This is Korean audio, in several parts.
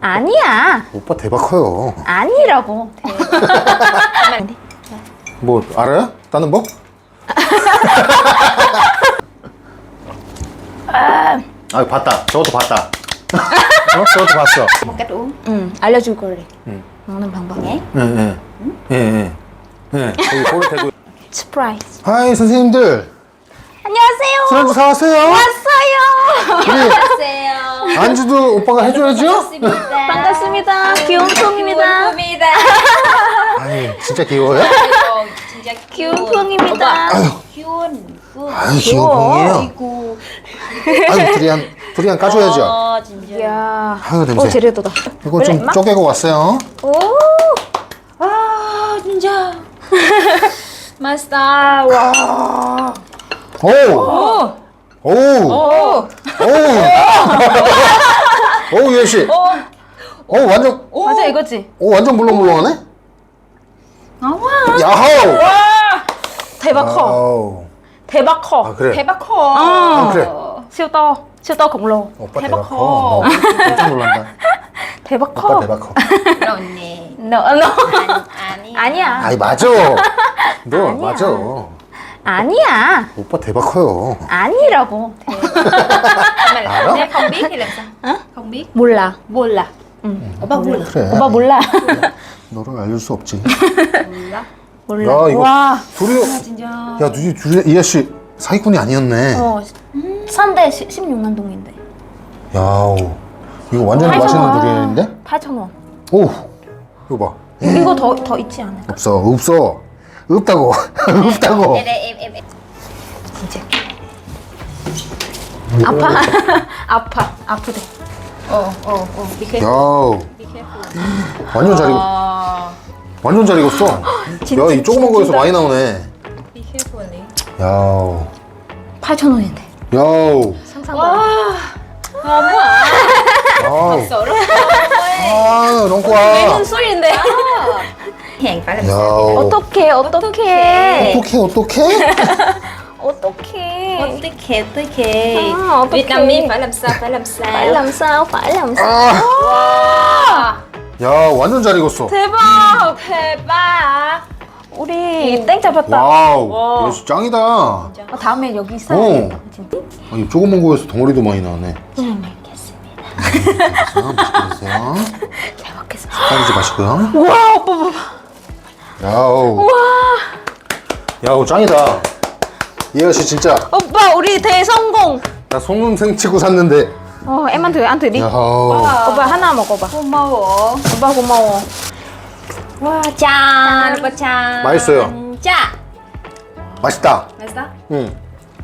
아니야. 오빠 대박 커요. 아니라고. 뭐 알아요? 다른 법? 아 봤다. 저것도 봤다. 어? 저것도 봤어. Một cách uống. 응, 알려줄 거래. 응. 먹는 방법. 예. 거기 고를 대고. 스프라이즈. 하이 선생님들. 안녕하세요. 술한잔 사왔어요? 왔어요. 우리 안녕하세요. 안주도 오빠가 해줘야죠? 반갑습니다. 반갑습니다. 귀여운 콩입니다. 입니다. 아니 진짜 귀여워요? 아이고, 진짜 귀여운 콩입니다. 귀여운 콩. 아유 귀여운 콩이에요. 아이고. 아유 두리안 까줘야죠. 진짜. 이야. 아유 냄새. 제대로다. 이거 좀 쪼개고 왔어요. 오. 아, 진짜. 맛있다. 와. 오. 오. 오. 오 예시. 오 완전. 맞아 이거지. 오 완전 물렁물렁하네. 와. 야호. 대박 커. 아우. 대박 커. 아 그래. 대박 커. 아, 그래. siêu to. siêu to khổng lồ. 오빠 대박 대박 커. 커. 나 깜짝 놀란다. 대박 오빠 커. 대박 커. 그렇네. No. 아니. 아니야. 아이 맞아. 너 아니야. 맞아. 아니야. 오빠 대박 커요. 아니라고. 알아? Nếu không biết thì làm sao? Không biết. 몰라. 몰라. 오빠 몰라. 그래. 오빠 몰라. 너를 알릴 수 없지. 몰라. 몰라. 야 이거 와. 둘이. 진짜. 야 둘이 이 아씨 사기꾼이 아니었네. 선대 16만 동인데. 야우. 이거 완전 맛있는 두리안인데? 8,000원. 오. 이거 봐. 이거 더 있지 않을까? 없어. 없다고. 없다고. em. 진짜. 아파. 아프대. Be careful. 야우. Be careful. 완전 잘 익었. 완전 잘 익었어. 야, 이 조그만 거에서 많이 나오네. Be careful. 야우. 8,000원인데. 야우. 상상보다. Ngon quá à. 아우. Sợ rất 아, 너무 좋아. 매는 술인데. hàng phải làm sao? 야우. 어떡해. 어떡해? 어떡해. 아, 어떡해. Vietnamese phải làm sao? Phải làm sao? phải làm sao. 아. 와. 야, 완전 잘 익었어. 대박. 대박. 우리 땡 잡았다. 와우. 역시 짱이다. 아, 다음에 여기 있어야겠다. 진짜. 이 조그만 거에서 덩어리도 많이 나오네. 잘 먹겠습니다. 맛있게 드세요. 잘 먹겠습니다. 빠지지 마시고요. 와, 오빠 봐봐. 야우. 야우, 짱이다. 이 아저씨 진짜. 오빠, 우리 대성공. 나 속눈생 치고 샀는데. em ăn thử đi. 야우. 오빠 하나 먹어봐. 고마워. 오빠 고마워. 와, 짠. 오빠 짠. 맛있어요. 짠. 맛있다. 맛있어? 응.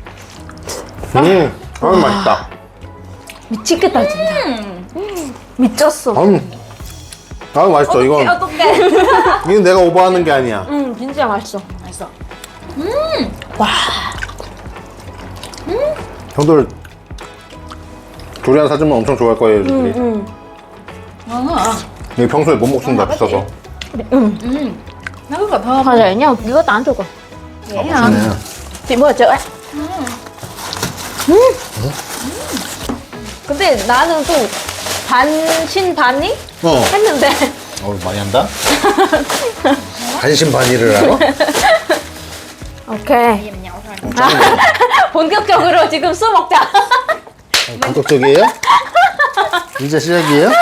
아유, 맛있다. 미치겠다 진짜. 미쳤어. 아유, 맛있어. 이건 어떡해. 내가 오버하는 게 아니야. 진짜 맛있어. 맛있어. 형들 두리안 사주면 엄청 좋아할 거예요, 애들이. 이게 평소에 못 먹습니다, 비싸서. Nó rất là thơm. Thôi rẻ nhau, 이것도 안 좋고. Vậy hả? 맛있네. chị mua ở chợ ấy. 근데 나는 또 반신반의 어. 했는데 많이 한다? 반신반의를 알아? 오케이. Bây giờ mình nhậu thôi. 본격적으로 지금 술 먹자. 본격적이에요? 이제 시작이에요?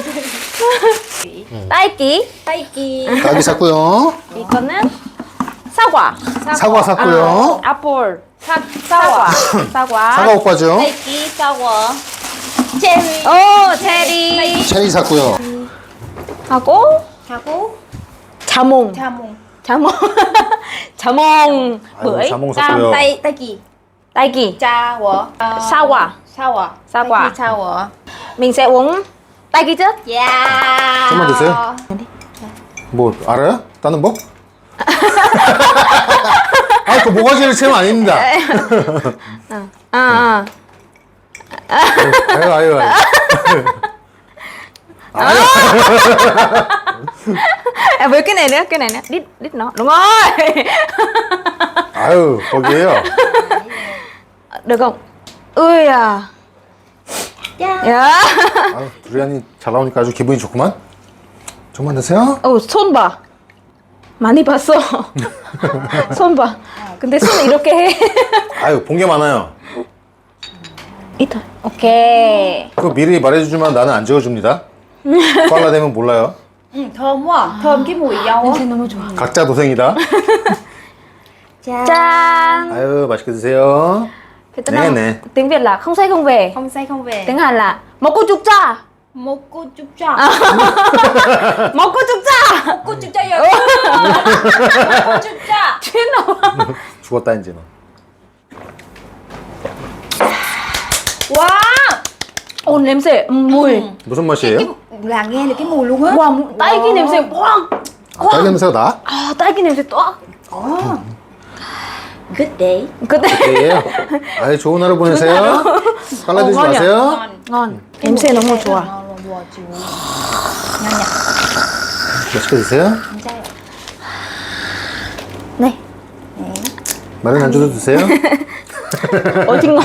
딸기. 딸기. 딸기 샀고요. 이거는 사과. 사과 샀고요. 애플. 사과. 사과 오빠죠. 딸기 사과. 체리. 오, 체리. 체리 샀고요. 하고 하고 자몽. 자몽. 자몽. 자몽. bưởi. 자몽 샀고요. 딸기. 딸기. Sour. 사과. Sour. 사과. 딸기 sour. mình sẽ uống 딸기 trước. Yeah. 좀만 드세요. 뭐 알아요? 다른 법? 아, 그 모가지를 채면 아닙니다. 아. 아유. Với cái này nữa, đít nó. Đúng rồi. 아유, 거기에요. Được không? Ui à. 야. 아유, 두리안이 잘 나오니까 아주 기분이 좋구만. 좀만 드세요. 손 봐. 많이 봤어. 손 봐. 근데 손 이렇게 해. 아유, 본 게 많아요. 이터. 오케이. 그거 미리 말해주지만 나는 안 지어줍니다. 빨라 되면 몰라요. Thơm quá à. Thơm cái mùi dâu á. 냄새 너무 좋아. 각자 도생이다. 짠. 아유, 맛있게 드세요. 베트남 네네. tiếng Việt là không say không về. Không say không về. tiếng Hàn là 먹고 죽자. Một cô chúc cho. 먹고 죽자. Cô chúc cho giờ. Cô chúc cho. 죄나. 죽었다, 이제는. Wow. 오 냄새. mùi. 무슨 맛이에요? Là nghe được cái mùi luôn á. 와 딸기 냄새. 와. 아, 딸기 냄새가 나? 아 딸기 냄새 또. Good day. 그때. 예요. 아유, 좋은 하루 보내세요. 빨라들지 ngon nhỉ? 마세요. ngon. 냄새 너무 좋아. Ngon luôn, wow, chị. Ngon nhỉ? 맛있게 드세요. Không sao. 네. 마른 안주도 드세요. 어딘가.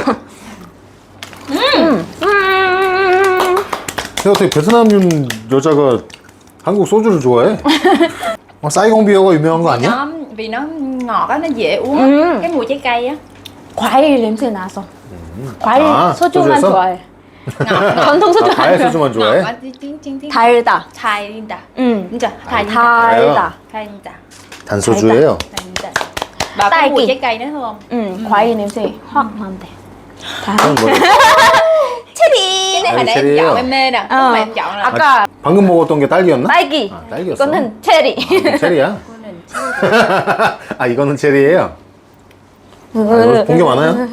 근데 어떻게 베트남인 여자가 한국 소주를 좋아해? 사이공 비어가 유명한 거 아니야? Vì nó ngọt á, nó dễ uống á. Ừ. Cái mùi trái cây á. 과일 냄새 나서. 과일 아, 소주만 소주에서? 좋아해. 전통 소주 아, 과일 아니야. 소주만 Ngọt 좋아해? á, tiếng 달다. 달린다. 응. 진짜 달린다. 달다. 달린다. 단소주예요. 달린다. Và có mùi 딸기. trái cây nữa không? 응. 과일 냄새 확 난대. 그건 뭐? Cái này hồi Ai nãy em cherry chọn á? em mê nè. Lúc mà em chọn là 아까 방금 먹었던 게 딸기였나? 딸기. 아, 딸기였어. 이거는 체리. 체리야? 아, 이거는 체리예요. 아, 이거 본 게 많아요?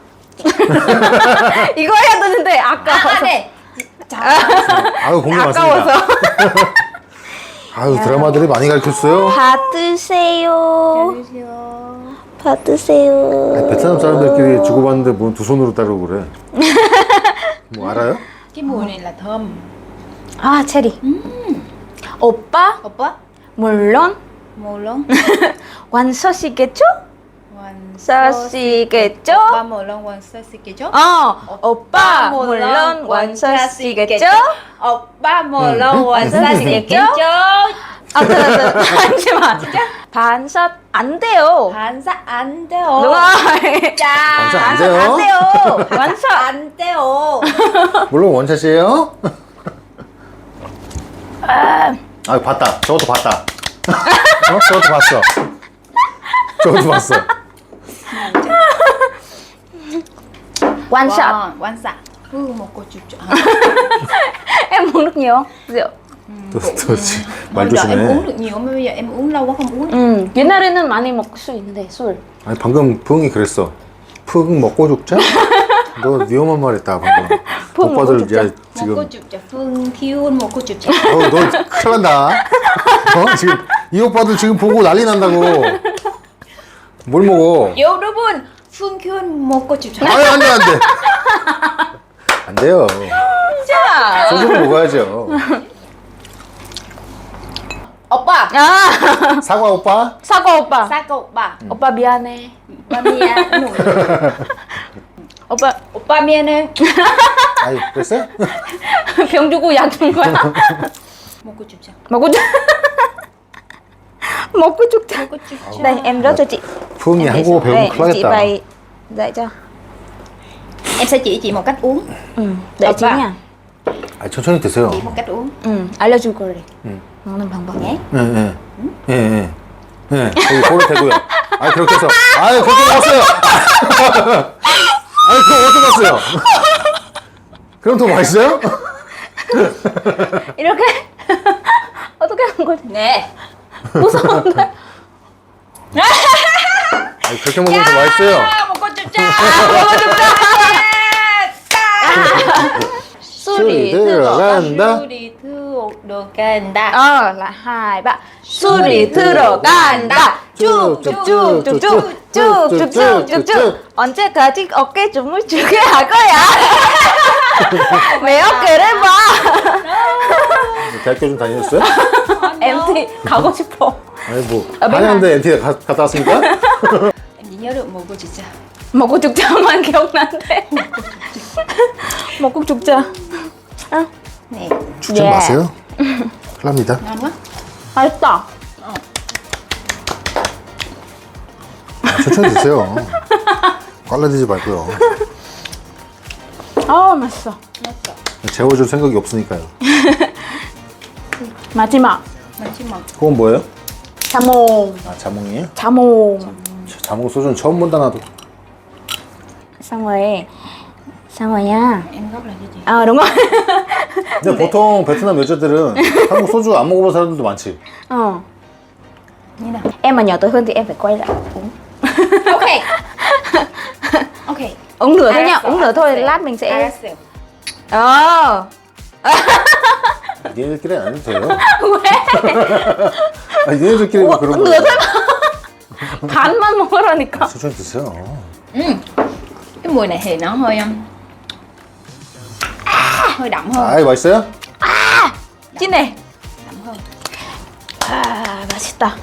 이거 해야 되는데 아까워서. 아, 네. 아유, 본 게 아까워서. 많습니다. 아유, 드라마들이 많이 가르쳤어요. 받으세요. Hello. 받으세요. 아니, 베트남 사람들끼리 주고받는데 뭐 두 손으로 따르고 그래. 뭐 알아요? Cái mùi này là thơm. 아 체리. 오빠 Oppa. 물론 Mùi luôn. 완서시겠죠? Hoàng 서시겠죠? Ba mùi luôn hoàng sơ xì kì chốt. 오빠 물론 완서시겠죠? Oppa mùi luôn hoàng sơ xì kì chốt. 잠시만. 반샷 안 돼요. 반사 안 돼요. 누가? 자. 반사 안 돼요? 안 돼요. 완샷. 안 돼요. 물론 원샷이에요. 아, 봤다. 저것도 봤다. 저것도 봤어. 저것도 봤어. 완샷. Quan xạ. Một cô chụp chọn. Em uống nước nhiều không? Rượu. 또 말 Bây giờ em 조심해. uống được nhiều mà bây giờ em uống lâu quá không uống. 옛날에는 많이 먹을 수 있는데 술. 아니, 방금 푸응이 그랬어. 푸응 먹고 죽자? 너 위험한 말 했다, 방금. 푸응 먹고 오빠들 죽자. 야, Một cô 지금 chụp chọn Phương Kiun một cô chụp chọn. 너 큰일 난다. 지금 이 오빠들 지금 보고 난리 난다고. 뭘 먹어? 여러분 Phương Kiun một cô chụp chọn. 아니, 안 돼, 안 돼. 안 돼요. 자. 소주를 먹어야죠. 오빠. 아. 사과 오빠? 사과 오빠. 사과 오빠. 오빠 미안해. 오빠 미안. 오빠 오빠 미안해. 아이, 그랬어요? 병 주고 약 준 거야. một cô chụp chọn. 먹고 죽. 먹고 죽자. Một cô chụp chọn. Đây em rót cho chị. 푸응이 한국어 배우면 Đây, 큰일 chị 나겠다. bày dạy cho. Em sẽ chỉ chị một cách uống. để Opa. chị nha. 아, 천천히 드세요. Chỉ một cách uống. 알려줄 거래. 응. 먹는 방법. Nhé. 예, 예. 예, 예. 예, 거기 고를 대고요. 아, 그렇게 해서. 아유, 그렇게 먹었어요. 아유, 그거 어떻게 갔어요? 그럼 더 맛있어요? 이렇게 어떻게 하는 거지? Nè. 무서운데. 아니, 그렇게 먹으면 더 맛있어요. Một cô chụp chọn. 술이 들어간다. 술이 들어간다. là 2, 3. 술이 들어간다. 쭉쭉쭉쭉쭉쭉쭉쭉쭉. 언제까지 어깨 춤을 추게 할 거야? 내 어깨를 봐. 대학교 좀 다니셨어요? MT 가고 싶어. 아니, 뭐, 아, 맨날. 한양대 NT 갔다 왔습니까? Em chỉ nhớ được một cô chụp chọn. 먹고 죽자만 기억난대. 먹고 죽자. 아, Nè, 죽지 예. 마세요. 큰일 납니다. ngon quá. 맛있다. 천천히 드세요. 빨라지지 말고요. 아, 맛있어. 맛있어. 재워줄 생각이 없으니까요. 마지막. 마지막. 그건 뭐예요? 자몽. 아, 자몽이에요? 자몽. 자몽 소주는 처음 본다 나도. Xong rồi. Xong rồi nha. Em gốc là cái gì? À đúng rồi. 근데 보통 베트남 여자들은 한국 소주 안 먹어본 사람들도 많지. Ờ. Như nào? Em mà nhỏ tuổi hơn thì em phải quay lại uống. Ok. Ok. Uống nửa thôi Ai nha, sợ, uống nửa ai thôi sợ. lát mình sẽ. 알았어요. Ờ. 니네들끼리 안 해도 돼요. 왜? 아니, 니네들끼리 뭐 그런 거. nửa thôi mà. 간만 먹으라니까. 천천히 드세요. Cái mùi này thì nó hơi hơi đậm hơn. 아이, 맛있어요? 진해. Đậm hơn. 아, 맛있다.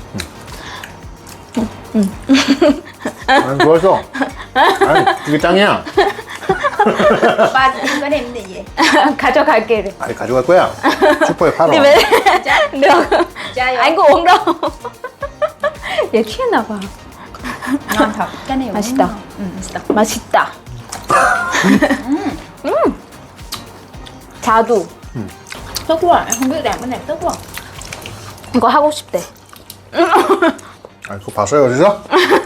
안 좋아했어. 아니, 이게 짱이야. Ba chị em có đem gì vậy? 가져갈게. 그래. 아니, 가져갈 거야. 슈퍼에 팔아. 근데 왜? được. Chai Anh có uống đâu. 얘 취했나 봐. ngon thật. Cái này cũng 맛있다. ngon. 맛있다. 자두. Tốt quá. Em không biết làm cái này tốt quá. 이거 하고 싶대. 아, 그거 봤어요, 어디서?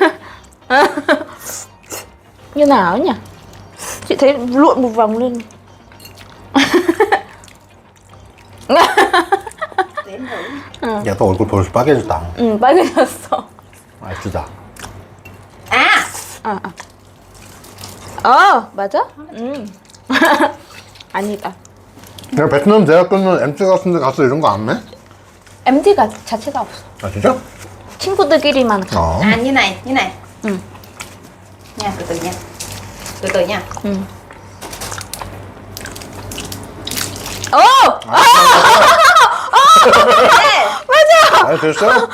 Như nào nhỉ? Chị thấy lộn một vòng lên. Để em thử. 야, 너 얼굴 벌써 빨개졌다. 응, 빨개졌어. 맛있다. À. 맞아? 아니다. 내가 베트남 대학 끊는 MT 같은 데 가서 이런 거 안 해? MT가 자체가 없어. 아, 진짜? 친구들끼리만 가. 어. À như này, như này. Ừ. Nha, từ từ nha. Từ từ nha. 어! 맞아! 아, 됐어요?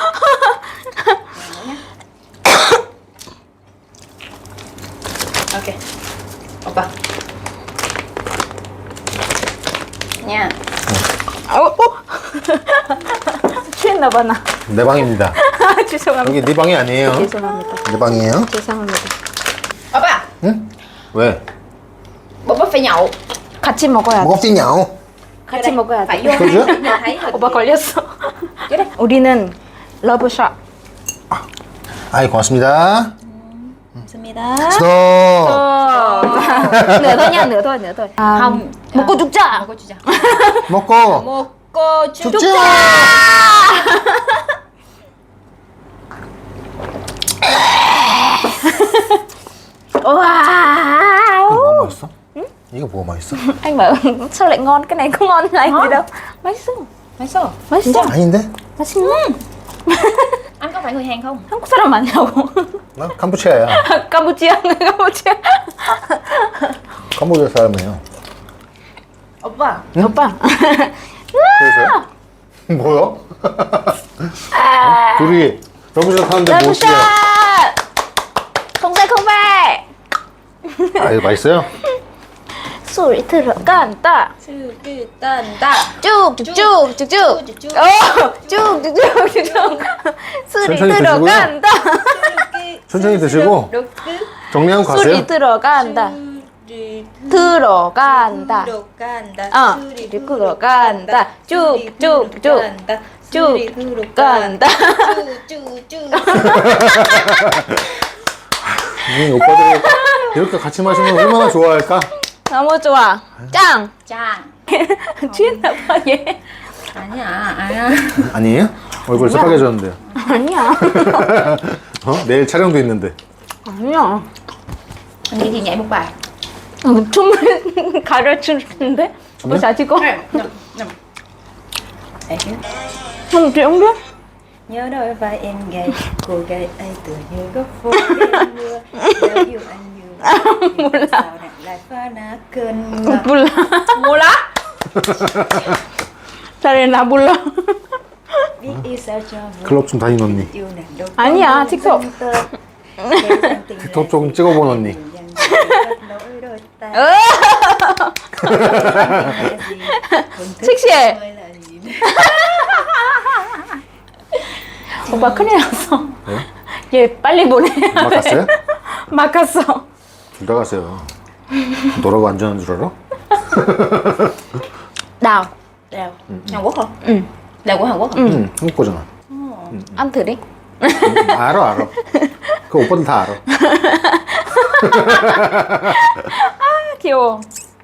Ok. Opa. Nha. 취했나 봐, 나. 내 방입니다. 죄송합니다. 여기 네 방이 아니에요. 죄송합니다. 내 방이에요. 죄송합니다. Opa, 응? 왜? bố phải nhậu. 같이 먹어야 돼. 뭐가 뛰냐고? 같이 먹어야 Phải 돼. vô 그죠? hang để thấy rồi. 오빠 걸렸어. 그래. 우리는 러브샷. 아이, 고맙습니다. 감사합니다. 스톱! nửa thôi nha, nửa thôi, nửa thôi. Không. 먹고 죽자. 먹고 주자. 먹고! 먹고 죽자! 와. 이거 뭐가 맛있어? 응? 이거 뭐가 맛있어? Anh bảo sao lại ngon, cái này có ngon là anh gì đâu. 맛있어. 맛있어. 맛있어. 아닌데? 맛있네. Anh có phải người Hàn không? 한국 사람 아니라고. 나 캄보치아야. 캄보치아, 캄보치아. 캄보디아 사람이에요. 오빠. 오빠. 그래서요? 뭐요? 둘이 러브샷 하는데 뭐 러브샷. 어때요? không về không về. 아, 이거 맛있어요? 소리 들어간다. 수기단다. 쭉쭉쭉쭉쭉. 쭉쭉쭉쭉쭉. 소리 천천히 들어간다. 천천히 드시고 정리하고 가세요. 소리 들어간다. 들어간다. 어, 소리 들어간다. 쭉쭉쭉. 쭉 간다. 이 오빠들이 이렇게 같이 마시면 얼마나 좋아할까? 너무 좋아. 짱. 짱. 취했나 봐 얘. 아니야, 아니야. 아니에요? 얼굴 새빨개졌는데요. 아니야. 어? 내일 촬영도 있는데. 아니야. Vậy thì nhảy một bài. 춤을 가르치는데? 오빠 잘 찍어? Nằm. 형 chị không biết. Nhớ đôi vai em gầy, cô gái ấy tựa như góc phố đêm mưa. Nếu yêu anh như vậy, sao nàng lại phá nát cơn mưa. 몰라. 몰라? 잘해나 몰라. Biết yêu sao cho vui. 클럽 좀 다니는 언니. Yêu nàng đâu có 아니야, nỗi 틱톡. tâm tơ. 틱톡 좀 찍어본 언니. 섹시해. 오빠 큰일 났어. 네? 얘 빨리 보내. 막 갔어요? 막 갔어. 둘 다 갔어요. 너라고 안전한 줄 알아? nào Đào. Hàn Quốc hả? ừ Đào của Hàn Quốc hả? 응, 한국 거잖아. ăn thử đi. 알아. 그 오빠들 다 알아. 귀여워.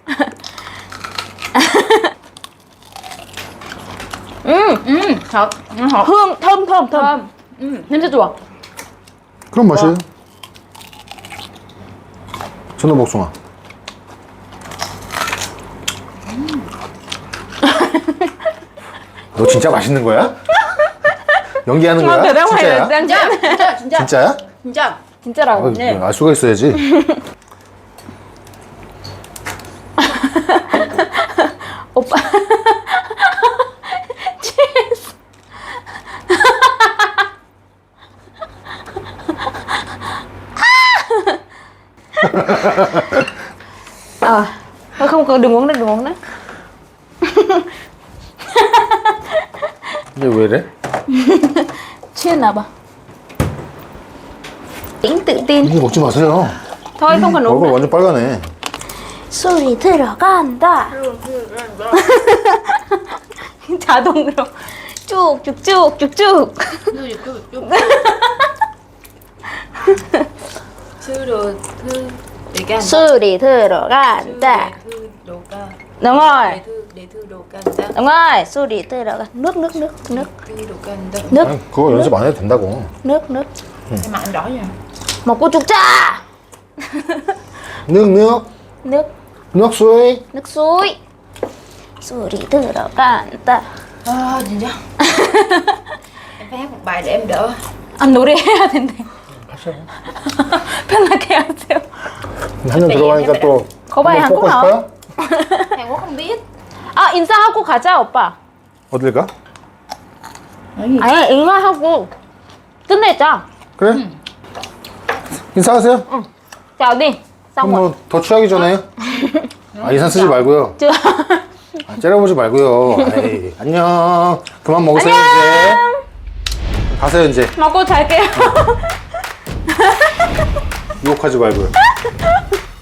Thật. Hột. hương thơm thơm thơm. 냄새 좋아. 그런 맛이에요. 전어 복숭아. 너 진짜 맛있는 거야? 연기하는 거야? 진짜야? 진짜. 진짜. 진짜. 진짜야? 진짜. 진짜라고. 네. 알 수가 있어야지. 오빠. 취했어. thôi không cần, đừng uống nữa, đừng uống nữa. 이게 왜 이래? 취했나 봐. tính tự tin. 이거 먹지 마세요. thôi không cần uống 얼굴 nữa. 완전 빨가네. 술이 들어간다. 자동으로 쭉쭉쭉쭉쭉. Sư đồ thư để can. 술이 들어간다. Thư đồ ca. Đúng rồi, Để thư đồ can ta. đúng rồi. 술이 들어가. nước nước nước nước Thư đồ can ta. nước 아니, 그거 연습 안 해도 된다고. nước nước. Em mặt anh đỏ vậy. 먹고 죽자. nước. nước nước suối. nước suối. 술이 들어간다. 진짜. Em phải hát một bài để em đỡ. 아 노래해야 된대. 하세요. 편하게 하세요. 한 년 들어가니까 또 거봐요, 한번 뽑고 한국 싶어요? Hàn Quốc không biết. 아 인사하고 가자 오빠. 어딜 가? 아니 인사하고 끝내자. 그래? 인사하세요. chào đi. xong 그럼 rồi. 뭐더 취하기 전에. 아, 인사 쓰지 말고요. chưa. 아, 째려보지 말고요. 에이, 안녕. 그만 먹으세요, 이제. 가세요, 이제. 먹고 잘게요. 유혹하지 말고요.